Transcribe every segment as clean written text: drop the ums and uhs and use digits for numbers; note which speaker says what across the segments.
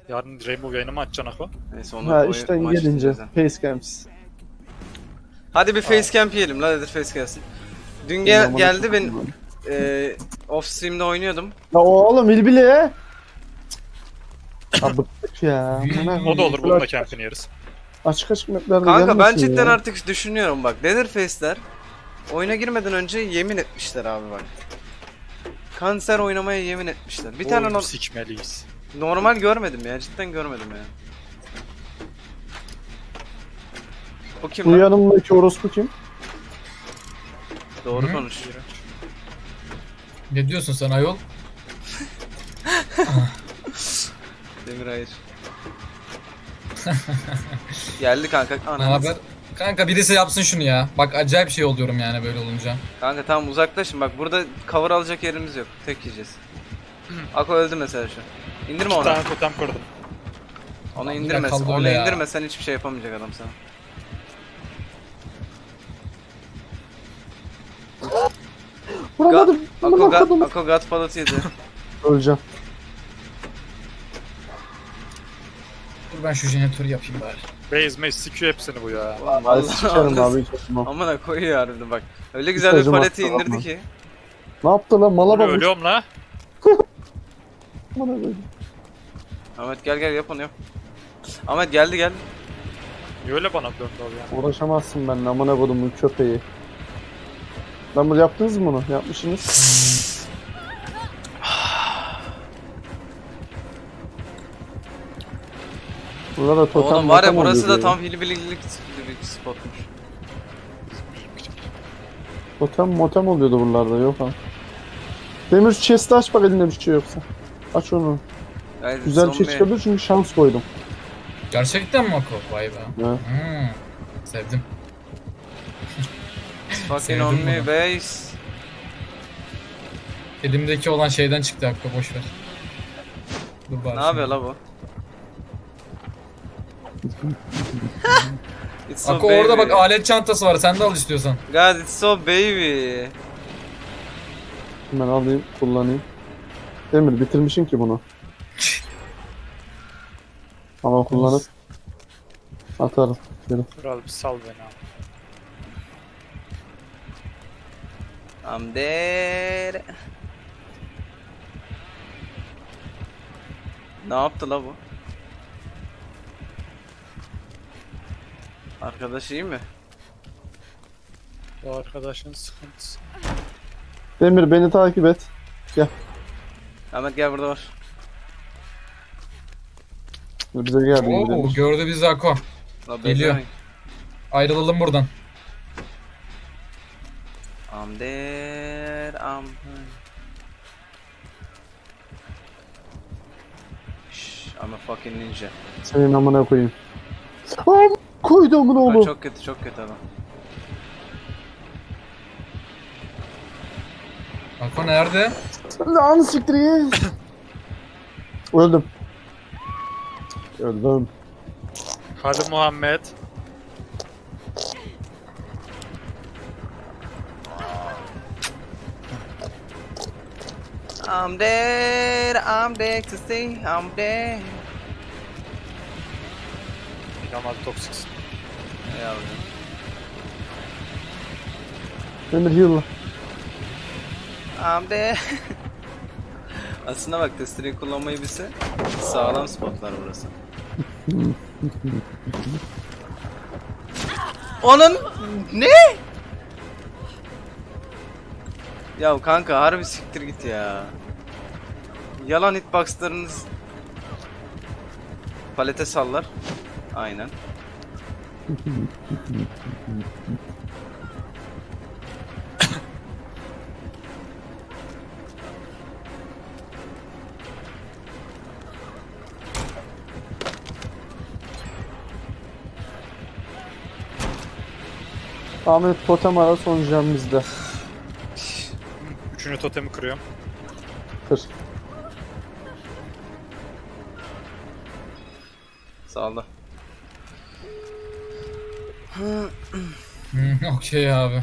Speaker 1: Yarın Rainbow yayını mı açacaksın Ako?
Speaker 2: Neyse onu
Speaker 3: Ha işten gelince facecams.
Speaker 2: Hadi bir facecamp yiyelim la, nedir face gelsin. Dün geldi ben off stream'de oynuyordum.
Speaker 3: Ya oğlum ilbili ya. Ya bıktık ya.
Speaker 1: O da olur, bunun da campini yeriz.
Speaker 3: Açık açık maplerde
Speaker 2: Kanka ben
Speaker 3: gelmesin
Speaker 2: cidden
Speaker 3: ya.
Speaker 2: artık düşünüyorum bak. Leatherface'ler oyuna girmeden önce yemin etmişler abi bak. Kanser oynamaya yemin etmişler. Bir tane
Speaker 1: Oyunu sikmeliyiz.
Speaker 2: normal görmedim ya, cidden görmedim ya. Bu kim
Speaker 3: Bu
Speaker 2: lan?
Speaker 3: yanımdaki orospu kim?
Speaker 2: Doğru
Speaker 4: Hı?
Speaker 2: konuş.
Speaker 4: Ne diyorsun sen ayol?
Speaker 2: Demir hayır. Geldi kanka.
Speaker 4: Ne
Speaker 2: Ananı
Speaker 4: haber? Kanka birisi yapsın şunu ya. Bak acayip şey oluyorum yani böyle olunca.
Speaker 2: Kanka tamam uzaklaşın, bak burada cover alacak yerimiz yok. Tek yiyeceğiz. Ako öldü mesela şu. İndirme
Speaker 1: Bir
Speaker 2: onu.
Speaker 1: tane totem kırdım.
Speaker 2: Onu
Speaker 4: Yine
Speaker 2: indirme.
Speaker 4: kaldı
Speaker 2: Onu
Speaker 4: öyle ya.
Speaker 2: indirme, sen hiçbir şey yapamayacak adam sana.
Speaker 3: Vuramadım. Vuramadım.
Speaker 2: Ako God palat yedi.
Speaker 3: Öleceğim.
Speaker 4: Dur ben şu jeneratörü yapayım bari.
Speaker 1: Base mace sikiyor hepsini bu ya.
Speaker 3: Ay sikerim abi hiç atmam.
Speaker 2: Amına koyuyor harbiden bak. Öyle güzel bir
Speaker 3: Mesajım
Speaker 2: paleti
Speaker 3: attı,
Speaker 2: indirdi
Speaker 3: bakma.
Speaker 2: ki.
Speaker 3: Ne yaptı lan mala
Speaker 1: Bunu
Speaker 3: bak.
Speaker 1: ölüyorum la.
Speaker 3: Bana böyle.
Speaker 2: Ahmet gel yap onu yap. Ahmet geldi.
Speaker 1: Niye öyle bana döndü abi ya?
Speaker 3: Uğraşamazsın benimle amına kodumun köpeği. Lan bunu yaptınız mı bunu? Yapmışsınız. Burada da totem
Speaker 2: Oğlum var ya,
Speaker 3: motem
Speaker 2: burası da
Speaker 3: oluyor
Speaker 2: tam hilibililik spotmuş.
Speaker 3: Totem motem oluyordu buralarda yok ha. Demir chest'i aç bak elinde bir şey yoksa. Aç onu.
Speaker 2: Yani
Speaker 3: Güzel bir şey
Speaker 2: zombi-
Speaker 3: çıkabilir çünkü şans koydum.
Speaker 4: Gerçekten mi Ako? Vay be.
Speaker 3: Ya.
Speaker 4: Sevdim.
Speaker 2: Fucking
Speaker 4: Sevdim
Speaker 2: on me
Speaker 4: bunu.
Speaker 2: base.
Speaker 4: Elimdeki olan şeyden çıktı Ako, boş ver. Dur bari.
Speaker 2: Ne yapıyor la bu? It's so
Speaker 4: Ako
Speaker 2: baby.
Speaker 4: orada bak alet çantası var, sen de al istiyorsan.
Speaker 2: God it's so baby.
Speaker 3: Hemen alayım kullanayım. Demir bitirmişsin ki bunu. Ama kullanıp atarım. Şöyle.
Speaker 1: Kral bir sal beni abi.
Speaker 2: I'm dead. Ne yaptı la bu? Arkadaş iyi mi?
Speaker 1: Bu arkadaşın sıkıntısı.
Speaker 3: Demir beni takip et. Gel.
Speaker 2: Ahmet gel, burada var.
Speaker 3: Bize geldi
Speaker 4: Oo,
Speaker 3: Demir.
Speaker 4: gördü bizi Ako.
Speaker 2: La
Speaker 4: Geliyor.
Speaker 2: beklemeyin.
Speaker 4: Ayrılalım buradan.
Speaker 2: I'm dead. Shh, I'm a fucking ninja.
Speaker 3: Senin amına koyayım. Am koydu amına
Speaker 2: Bak,
Speaker 3: oğlum.
Speaker 2: çok kötü adam.
Speaker 4: Ako nerede?
Speaker 3: Lan siktir git. Öldüm. Öldüm.
Speaker 1: Hadi Muhammed.
Speaker 2: I'm dead to see, I'm dead.
Speaker 1: İnanılmaz toksiksin.
Speaker 2: Yavrum.
Speaker 3: Demir heal.
Speaker 2: I'm dead. Aslında bak, testereyi kullanmayı bilse sağlam spotlar burası. Onun ne? Ya kanka harbi siktir git ya. Yalan hitboxlarınız palete sallar. Aynen.
Speaker 3: Ahmet totem ara son jam bizde.
Speaker 1: Üçüncü totemi kırıyorum.
Speaker 3: Kır.
Speaker 2: Sağla.
Speaker 4: Okey abi.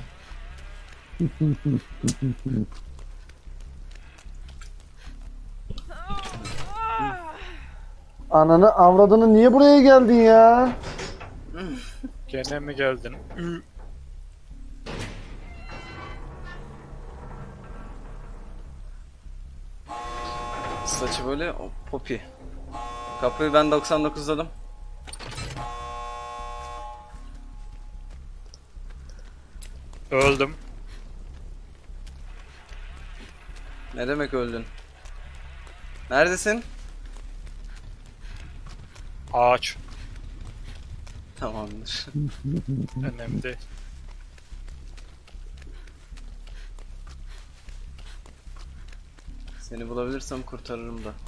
Speaker 3: Ananı avradını niye buraya geldin ya?
Speaker 1: Gene mi geldin?
Speaker 2: Saçı böyle o, Poppy. Kapıyı ben 99'ladım.
Speaker 1: Öldüm.
Speaker 2: Ne demek öldün? Neredesin?
Speaker 1: Ağaç.
Speaker 2: Tamamdır.
Speaker 1: Önemli değil.
Speaker 2: Seni bulabilirsem kurtarırım da.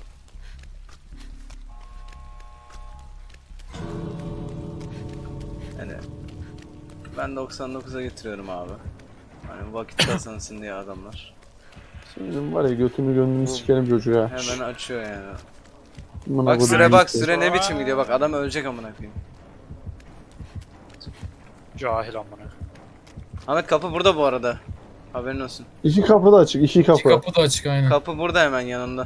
Speaker 2: Yani ben 99'a getiriyorum abi. Hani vakit kazansın diye adamlar.
Speaker 3: Şimdi var ya götünü gönlünü sikerim çocuğa.
Speaker 2: Hemen açıyor yani.
Speaker 3: Amına
Speaker 2: Bak
Speaker 3: koyayım
Speaker 2: süre bak
Speaker 3: işte.
Speaker 2: süre ne biçim gidiyor bak adam ölecek amına koyayım.
Speaker 1: Cahil amına.
Speaker 2: Ahmet kapı burada bu arada. Haberin olsun.
Speaker 3: İki kapı da açık, iki
Speaker 4: İki
Speaker 3: kapı.
Speaker 4: kapı da açık aynen.
Speaker 2: Kapı burada hemen yanında.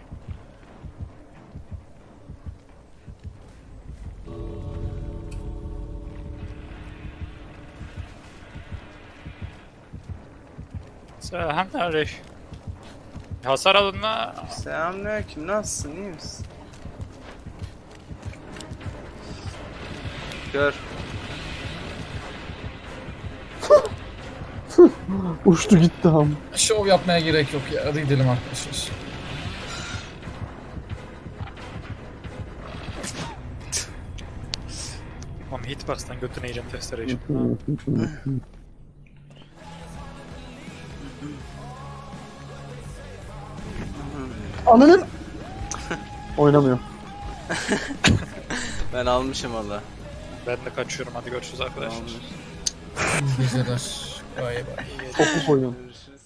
Speaker 1: Selamünaleyküm. Hasar alın la.
Speaker 2: Selamünaleyküm nasılsın iyi misin? Gör.
Speaker 3: Uçtu gitti ham.
Speaker 4: Şov yapmaya gerek yok ya. Hadi gidelim arkadaşlar.
Speaker 1: Oğlum hitbox'tan götüne yiyeceğim testereyi.
Speaker 3: Ananın! Oynamıyor.
Speaker 2: Ben almışım valla.
Speaker 1: Ben de kaçıyorum, hadi görüşürüz arkadaşlar.
Speaker 2: Tamamdır.
Speaker 4: İyi geceler. Bay bay.
Speaker 3: Topuk oyun.
Speaker 2: Görüşürüz.